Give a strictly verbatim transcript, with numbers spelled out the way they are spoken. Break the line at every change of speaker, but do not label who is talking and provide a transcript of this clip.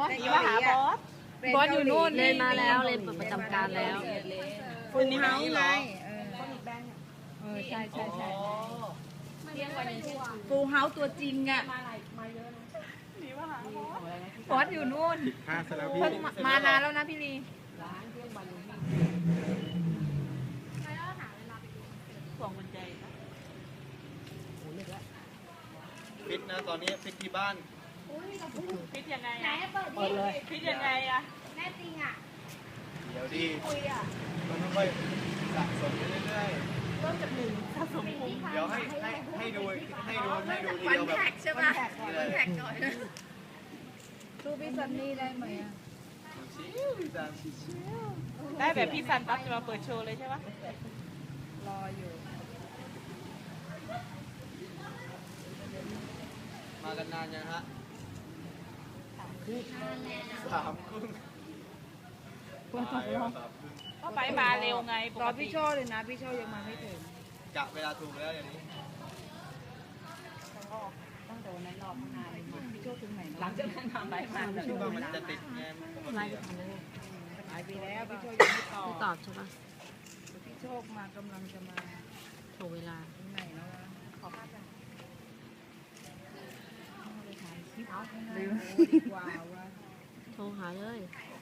นี่ว่าหาบอส
บอสอยู่นู่น
เล่นมาแล้วเล่นประจำการแล้ว
ฟูลเฮาส์ไงเออใช่ใช่ใช่ฟูลเฮาส์ตัวจริงอ่ะ
นี่ว่าหาบอส
บอสอยู่นู่น
ห้าซะแล้วพี่
เพิ่งมานานแล้วนะพี่ลี
ห่วงมันใจนะ
ฟิตนะตอนนี้ฟิตที่บ้าน
พิดยังไง
ไหน
อะ
เปิดดิ
พิดยังไงอะ
แม่จริงอ่ะ
เดี๋ยวดี
คุยอะ
มันต้องค่อยสะสมไปเรื่อย
เริ่มจากหนึ่งสะสมภูมิ
ๆเดี๋ยวให้ให้ให้ดูให้ดูให้ดูที
วัน
เดียวแบบ
แท็กใช่ไหมวันแท็กก่อนสู้พี่ซันนี่ได้ไหมอ่ะ
ชิวๆจ้ะ
ได้แบบพี่ซันปั๊บจะมาเปิดโชว์เลยใช่ปะ
รออยู่
มากันนานยังฮะสามครึ่งสามครึ่ง
ก็ไปมาเร็วไงป
รอก
ติ
พี่โชเลยนะพี่โชยังมาไม่ถึง
กะเวลาถูกแล้วอย่างนี้
ต้องโดนในรอบข้างหน้าเลยพี่โชถึงไหน
หลังจากนั้นทำไปมา
คิดว่ามันจะติดไงปก
ไล
ติ
ฟ์
อะ
ไปทำเลย
หายไปแล้วพี่โชยังไม่ตอบ
ไม่ตอบใช่ปะ
พี่โชคมากำลังจะมา
โทรเวลา
ถึงไหนแล้วล่ะขอภาพจ้ะเอาไปถ่ายคลิปเอาข้างหน้าดีกว่าว่า
โทรหาเลย
โอ้